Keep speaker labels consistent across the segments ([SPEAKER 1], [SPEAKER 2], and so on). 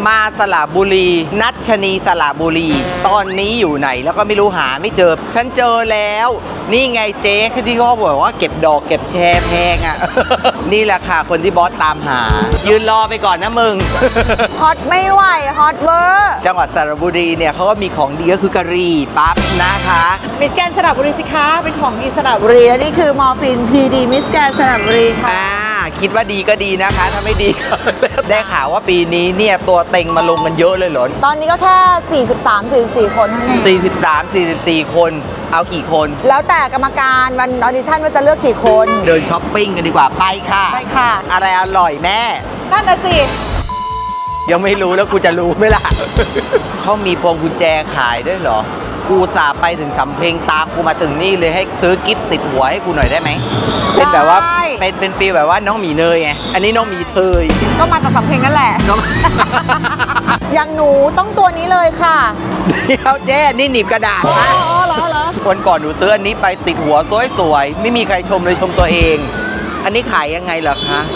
[SPEAKER 1] มาสระบุรีนัชนีสระบุรีตอนนี้อยู่ไหนแล้วก็ไม่รู้หาไม่เจอฉันเจอแล้วนี่ไงเจ๊ที่เขาบอกว่าเก็บดอกเก็บแชร์แพงอ่ะ นี่แหละค่ะคนที่บอสตามหายืนรอไปก่อนนะมึง
[SPEAKER 2] ฮอตไม่ไหวฮอตเวอร์
[SPEAKER 1] จังหวัดสระบุรีเนี่ยเขาก็มีของดีก็คือกะหรี่ปั๊บนะคะ
[SPEAKER 2] มิสแกรนด์สระบุรีสิคะเป็นของดีสระบุรีและนี่คือมอร์ฟินพีดีมิสแกรนด์สระบุรีค่ะ
[SPEAKER 1] คิดว่าดีก็ดีนะคะถ้าไม่ดี ได้ข่าวว่าปีนี้เนี่ยตัวเต็งมาลงกันเยอะเลยเหรอ
[SPEAKER 2] ตอนนี้ก็แค่ 43-44 คนเท่านั้นเอง
[SPEAKER 1] 43-44 คนเอากี่คน
[SPEAKER 2] แล้วแต่กรรมการวันออดิชั่นว่าจะเลือกกี่คน
[SPEAKER 1] เดินช้อปปิ้งกันดีกว่าไปค่ะ
[SPEAKER 2] ไปค่ะ
[SPEAKER 1] อะไรอร่อยแม่
[SPEAKER 2] นั่นน่ะสิ
[SPEAKER 1] ยังไม่รู้แล้วกูจะรู้ไหมล่ะ เขามีพวงกุญแจขายด้วยเหรอกูสาไปถึงสำเพ็งตามกูมาถึงนี่เลยให้ซื้อกิฟต์ติดหัวให้กูหน่อยได้ไหมเป็นแบบว่าเป็นฟีลแบบว่าน้องหมีเนยไงอันนี้น้องหมีเทย
[SPEAKER 2] ก็มาจากสำเพ็งนั่นแหละ อย่างหนูต้องตัวนี้เลยค่ะ
[SPEAKER 1] เดี๋ยวเจ๊นี่หนีบกระดาษนะ
[SPEAKER 2] เหรอ
[SPEAKER 1] วันก่อนหนูซื้ออันนี้ไปติดหัวสวยๆไม่มีใครชมเลยชมตัวเองอันนี้ขายยังไงเหรอคะ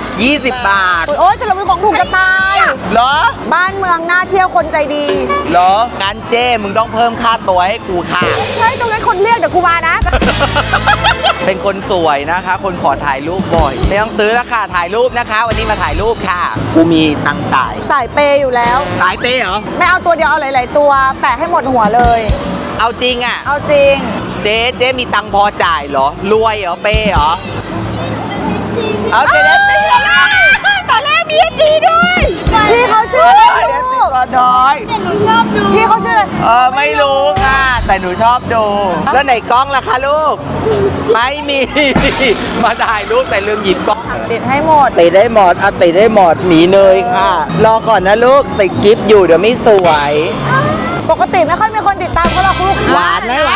[SPEAKER 1] 20 บาท
[SPEAKER 2] โอ้ยจะเราเป็นของถูกจะตาย
[SPEAKER 1] เหรอ
[SPEAKER 2] บ้านเมืองน่าเที่ยวคนใจดี
[SPEAKER 1] เหรองั้นเจ้มึงต้องเพิ่มค่าตัวให้กูค่ะ
[SPEAKER 2] ใช่ตรงนั้นคนเรียกเดี๋ยวกูมานะ
[SPEAKER 1] เป็นคนสวยนะคะคนขอถ่ายรูปบ่อยไม่ต้องซื้อแล้วค่ะถ่ายรูปนะคะวันนี้มาถ่ายรูปค่ะกูมีตังค์จ่าย
[SPEAKER 2] สายเปย์อยู่แล้ว
[SPEAKER 1] สายเปย์เหรอ
[SPEAKER 2] ไม่เอาตัวเดียวเอาหลายๆตัวแปะให้หมดหัวเลย
[SPEAKER 1] เอาจริงอ่ะ
[SPEAKER 2] เอาจริง
[SPEAKER 1] เจ๊มีตังค์พอจ่ายเหรอรวยเหรอเปย์เหรอเอาเจ๊ตี
[SPEAKER 2] ตอนแรกมีดีด้วยพี่เขาชื่ออะไรลูก
[SPEAKER 1] น้อย
[SPEAKER 2] แต่หนูชอบดูพี่เขาชื่ออะไร
[SPEAKER 1] ไม่รู้ค่ะแต่หนูชอบดูแล้วไหนกล้องล่ะคะลูกไม่มีมาถ่ายรูปแต่ลืมหยิบกล้อง
[SPEAKER 2] ติดให้หมด
[SPEAKER 1] ติดได้หมดเอาติดได้หมดหมีเนยค่ะรอก่อนนะลูกติดกิฟต์อยู่เดี๋ยวไม่สวย
[SPEAKER 2] ปกติไม่ค่อยมีคนติดตามเขาหรอกลูก
[SPEAKER 1] หวานไหมหวาน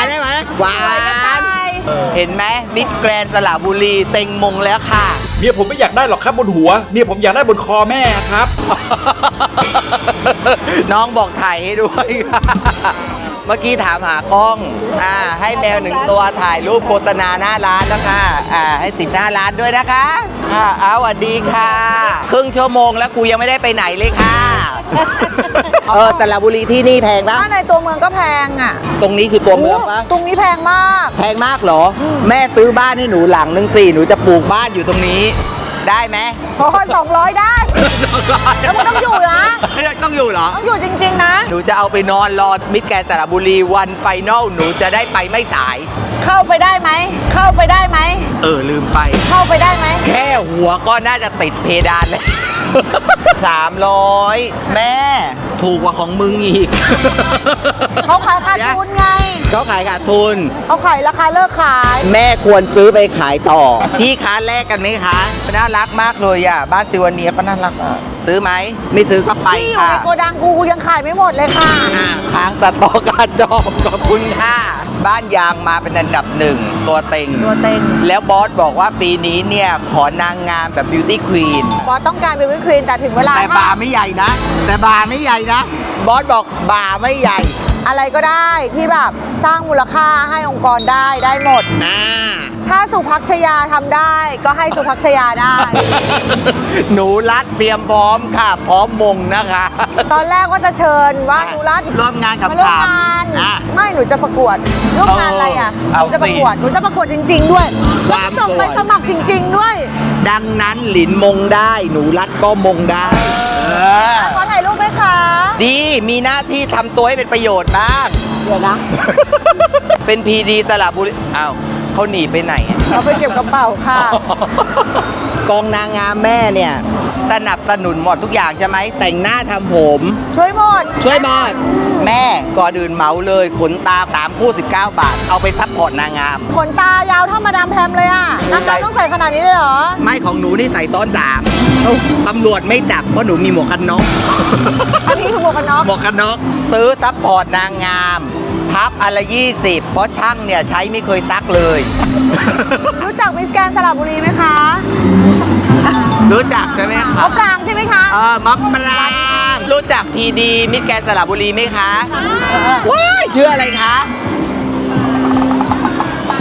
[SPEAKER 1] เห็นไหมมิสแกรนด์สระบุรีเต็งมงแล้วค่ะ
[SPEAKER 3] เมียผมไม่อยากได้หรอกครับบนหัวเมียผมอยากได้บนคอแม่ครับ
[SPEAKER 1] น้องบอกถ่ายให้ด้วย เมื่อกี้ถามหากล้องให้แมว1 ตัวถ่ายรูปโฆษณาหน้าร้านนะคะให้ติดหน้าร้านด้วยนะคะสวัสดีค่ะครึ่งชั่วโมงแล้วกูยังไม่ได้ไปไหนเลยค่ะ สระบุรีที่นี่แพงปะ
[SPEAKER 2] ถ้าในตัวเมืองก็แพงอ่ะ
[SPEAKER 1] ตรงนี้คือตัวเมืองปะ
[SPEAKER 2] ตรงนี้แพงมาก
[SPEAKER 1] แพงมากเหรอแม่ซื้อบ้านให้หนูหลังนึงสิหนูจะปลูกบ้านอยู่ตรงนี้ได้ไหม
[SPEAKER 2] พอ200ได้แล้วมันต้องอยู่นะ
[SPEAKER 1] ต้องอยู่เหรอ
[SPEAKER 2] ต้องอยู่จริงๆนะ
[SPEAKER 1] หนูจะเอาไปนอนรอมิสแกรนด์สระบุรีวันไฟนอลหนูจะได้ไปไม่สาย
[SPEAKER 2] เข้าไปได้ไหม
[SPEAKER 1] ลืมไป
[SPEAKER 2] เข้าไปได้ไหม
[SPEAKER 1] แค่หัวก็น่าจะติดเพดานเลย 300แม่ถูกกว่าของมึงอีก
[SPEAKER 2] เขาขายขาดทุนไง
[SPEAKER 1] เขาขายขาดทุน
[SPEAKER 2] เขาขายราคาเลิกขาย
[SPEAKER 1] แม่ควรซื้อไปขายต่อพี่ค้าแลกกันไหมคะน่ารักมากเลยอ่ะบ้านซิวเนียก็น่ารักซื้อไหมไม่ซื้อก็ไปค่ะ
[SPEAKER 2] ที่อยู่ในโกดังกูยังขายไม่หมดเลยค่ะ
[SPEAKER 1] ค้างสต็อกการดองขอบคุณค่ะบ้านยางมาเป็นอันดับ1ตัวเต็งแล้วบอสบอกว่าปีนี้เนี่ยขอนางงามแบบบิวตี้ควีน
[SPEAKER 2] บอสต้องการบิวตี้ควีนแต่ถึงเวลา
[SPEAKER 1] แต่บาร์ไม่ใหญ่นะบอสบอกบาร์ไม่ใหญ่
[SPEAKER 2] อะไรก็ได้ที่แบบสร้างมูลค่าให้องค์กรได้หมดถ้าสุภักชยาทำได้ก็ให้สุภักชยาได้
[SPEAKER 1] หนูรัดเตรียมพร้อมค่ะพร้อมมงนะคะ
[SPEAKER 2] ตอนแรกว่าจะเมาหนูรัด
[SPEAKER 1] ร่วมงานกับ
[SPEAKER 2] ร่วมงานไม่หนูจะประกวดร่วมงานอะไรอ่ะหนูจะประกวดจริงๆด้วยส่งไปสมัครจริงๆด้วย
[SPEAKER 1] ดังนั้นหลินมงได้หนูรัดก็มงได้
[SPEAKER 2] ขอถ่ายรูปไหมคะ
[SPEAKER 1] ดีมีหน้าที่ทำตัวให้เป็นประโยชน์บ้าง
[SPEAKER 2] เดี๋ยวนะ
[SPEAKER 1] เป็นพีดีสระบุรีอ้าวเขาหนีไปไหน
[SPEAKER 2] เขาไปเก็บกระเป๋าค่ะ
[SPEAKER 1] กองนางงามแม่เนี่ยสนับสนุนหมดทุกอย่างใช่ไหมแต่งหน้าทำผม
[SPEAKER 2] ช่วยหมด
[SPEAKER 1] แม่ก่อนอื่นเหมาเลยขนตา3 คู่ 19 บาทเอาไปซัพพอร์ตนางงาม
[SPEAKER 2] ขนตายาวเท่ามาดามแพมเลยอ่ะนางงามต้องใส่ขนาดนี้เลยเหรอ
[SPEAKER 1] ไม่ของหนูนี่ใส่ซ้อน3ตำรวจไม่จับเพราะหนูมีหมวกกันน็อก
[SPEAKER 2] อันนี้คือหมวกกัน
[SPEAKER 1] น็อกซื้อซัพพอร์ตนางงามพับอะไร20เพราะช่างเนี่ยใช้ไม่เคยซักเลย
[SPEAKER 2] รู้จักมิสแกรนด์สระบุรีไหมคะ
[SPEAKER 1] รู้จักใช่ไหมคะ
[SPEAKER 2] มะปรางใช่ไหมคะ
[SPEAKER 1] มะปรางรู้จักพีดีมิสแกรนด์สระบุรีไหมคะว้ายชื่ออะไรคะ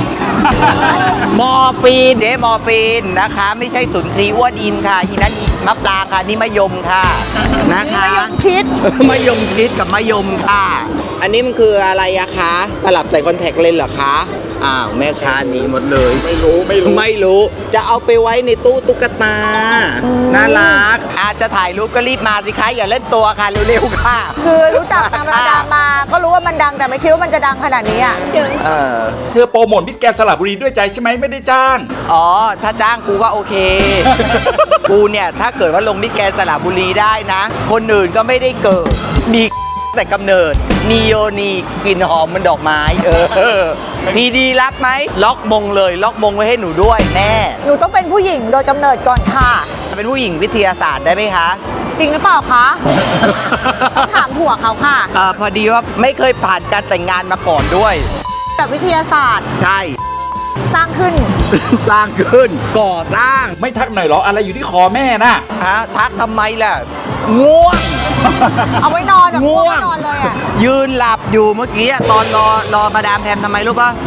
[SPEAKER 1] มอร์ฟีนเจ๊มอร์ฟีนนะคะ ไม่ใช่สุนทรีอ้วนอินค่ะทีนั้นมะปรางค่ะนี่มะยมค่ะนะคะ
[SPEAKER 2] มะยงชิด
[SPEAKER 1] มะยมชิดกับมะยมค่ะ อันนี้มันคืออะไรอะคะตลับใส่คอนแทคเลนส์เหรอคะอ้าวแม่ค้าหนีหมดเลย ไม่รู้จะเอาไปไว้ในตู้ตุ๊กตาน่ารักอาจจะถ่ายรูปก็รีบมาสิคะอย่าเล่นตัวค่ะเร็วๆค่ะ
[SPEAKER 2] คือรู้จักธรรมดามา ก็รู้ว่ามันดังแต่ไม่คิดว่ามันจะดังขนาดนี้อ่ะ
[SPEAKER 1] เออ
[SPEAKER 3] เธอโปรโมทมิตรแกรนด์สระบุรีด้วยใจใช่ไหมไม่ได้จ้าง
[SPEAKER 1] อ๋อ ถ้าจ้างกูก็โอเค กูเนี่ยถ้าเกิดว่าลงมิตรแกรนด์สระบุรีได้นะ คนอื่นก็ไม่ได้เกิด มีแต่กำเนิดนีโยนีกลิ่นหอมมันดอกไม้ พีดีรับไหม ล็อกมงเลย ล็อกมงไว้ให้หนูด้วยแม่
[SPEAKER 2] หนูต้องเป็นผู้หญิงโดยกำเนิดก่อนค่ะ
[SPEAKER 1] เป็นผู้หญิงวิทยาศาสตร์ได้ไหมคะ
[SPEAKER 2] จริงหรือเปล่าคะ ต้องถามผัวเขาค่ะ
[SPEAKER 1] พอดีว่าไม่เคยผ่านการแต่งงานมาก่อนด้วย
[SPEAKER 2] แบบวิทยาศาสตร์
[SPEAKER 1] ใช่
[SPEAKER 2] สร้างขึ้น
[SPEAKER 1] สร้างขึ้น ก่อสร้าง
[SPEAKER 3] ไม่ทักหน่อยเหรออะไรอยู่ที่คอแม่น่ะ
[SPEAKER 1] ฮะทักทำไมล่ะ ง่วง
[SPEAKER 2] เอาไว้นอนแบบ
[SPEAKER 1] ง่วง
[SPEAKER 2] นอนเลยอ่ะ
[SPEAKER 1] ยืนหลับอยู่เมื่อกี้อะตอนรอมาดามแพมทำไมรู้ปะ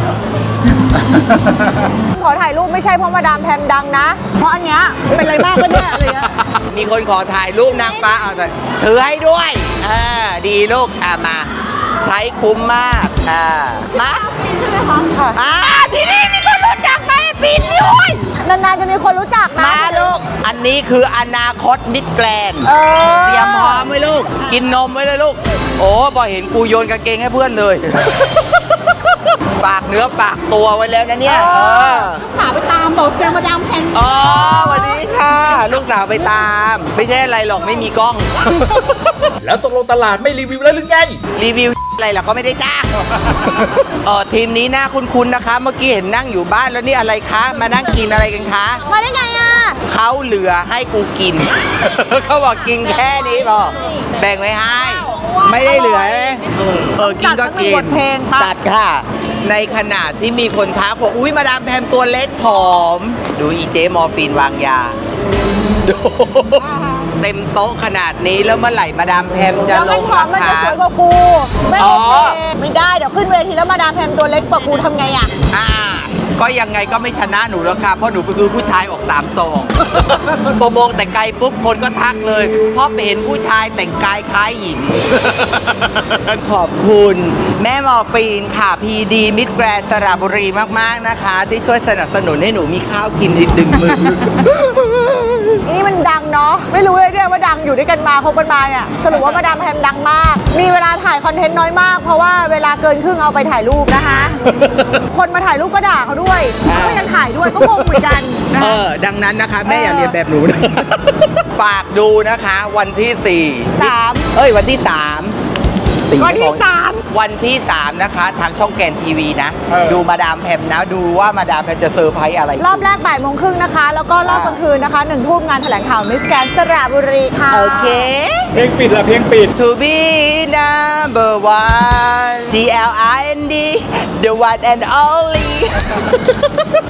[SPEAKER 2] ขอถ่ายรูปไม่ใช่เพราะมาดามแพมดังนะ เพราะอันเนี้ยเป็นอะไรมากก็เนี่ยอะไรเงี้ย
[SPEAKER 1] มีคนขอถ่ายรูปนางฟ้าเอาแต่ถือให้ด้วยดีลูกมา ใช้คุ้มมากมา
[SPEAKER 2] ใช่ไหมคะค่ะ
[SPEAKER 1] ที่นี่มีคนรู้จักไหมปินด้วย
[SPEAKER 2] นานๆจะมีคนรู้จักนะ
[SPEAKER 1] มาลูก อันนี้คืออนาคตมิตรแกรนด์
[SPEAKER 2] เออ
[SPEAKER 1] เตรียมพร้อมไว้ลูก กินนมไว้เลยลูก โอ้พอเห็นกูโยนกางเกงให้เพื่อนเลย ฝากเนื้อฝากตัวไว้แล้วนะเนี่ย
[SPEAKER 2] หาไปตามบอกเจอมาดามแพม
[SPEAKER 1] อ๋อสวัสดีค่ะ ลูกสาวไปตาม ไม่ใช่อะไรหรอกไม่มีกล้อง
[SPEAKER 3] แล้วตกลงตลาดไม่รีวิวแล้วหรือไง
[SPEAKER 1] รีวิวอะไรล่ะเขาไม่ได้จ้าง ทีมนี้น่าคุ้นๆนะคะ เมื่อกี้เห็นนั่งอยู่บ้านแล้วนี่อะไรคะ มานั่งกินอะไรกันคะ
[SPEAKER 2] มาได้ไงอ่ะ
[SPEAKER 1] เขาเหลือให้กูกิน เขาบอกกินแค่นี้พอแบ่งไว้ให้ ไม่ได้เหลือใช่ไหมกินก็กิน
[SPEAKER 2] จัดสักหนึ่งบทเพลงปะ
[SPEAKER 1] ตัดค่ะ ในขณะที่มีคนทักบอกอุ้ยมาดามแพมตัวเล็กผอม ดูอีเจมอร์ฟีนวางยา ดูเต็มโต๊ะขนาดนี้แล้วเมื่อไหร่มาดามแพมจะ
[SPEAKER 2] แล้ว
[SPEAKER 1] ล
[SPEAKER 2] มัน
[SPEAKER 1] ง
[SPEAKER 2] พร้อมมัน
[SPEAKER 1] รา
[SPEAKER 2] จะ
[SPEAKER 1] คา
[SPEAKER 2] สวยกว่ากู ไม่
[SPEAKER 1] อ๋
[SPEAKER 2] โอ
[SPEAKER 1] อ
[SPEAKER 2] เคไม่ได้เดี๋ยวขึ้นเวทีแล้วมาดามแพมตัวเล็กกว่ากูทำไงอ่ะ
[SPEAKER 1] ก็ยังไงก็ไม่ชนะหนูแล้วค่ะเพราะหนูคือผู้ชายออกตามซองพอมองแต่ไกลปุ๊บคนก็ทักเลยเพราะไปเห็นผู้ชายแต่งกายคล้ายหญิง ขอบคุณแม่หมอปีนค่ะพีดีมิตรแกรนด์สระบุรีมากๆนะคะ ที่ช่วยสนับสนุนให้หนูมีข้าวกินอีก1 มื้อ
[SPEAKER 2] นี่มันดังเนาะไม่รู้เลยด้วยว่าดังอยู่ด้วยกันมาคบกันมาเนี่ยสรุปว่ามาดามแพมดังมาก มีเวลาถ่ายคอนเทนต์น้อยมาก เพราะว่าเวลาเกินครึ่งเอาไปถ่ายรูปนะคะ คนมาถ่ายรูปก็ด่าเขาด้วยเขาก็ยังถ่ายด้วยก็งงเหมือนกันนะคะ
[SPEAKER 1] ดังนั้นนะคะ แม่อย่าเรียนแบบหนูนะ ฝากดูนะคะวันที่ 4
[SPEAKER 2] 3
[SPEAKER 1] วันที่ 3
[SPEAKER 2] วันที่
[SPEAKER 1] วันที่ 3 นะคะ ทางช่องแกนทีวีนะ
[SPEAKER 3] เออ
[SPEAKER 1] ดูมาดามแพมนะ ดูว่ามาดามแพมจะเซอร์ไพรส์อะไร
[SPEAKER 2] รอบแรกบ่ายโมงครึ่งนะคะ แล้วก็รอบกลางคืนนะคะ1 ทุ่มงานแถลงข่าวมิสแกรนด์สระบุรีค่ะ
[SPEAKER 1] โอเค
[SPEAKER 3] เพลงปิดละเพลงปิด
[SPEAKER 1] To be number one TLIND the one and only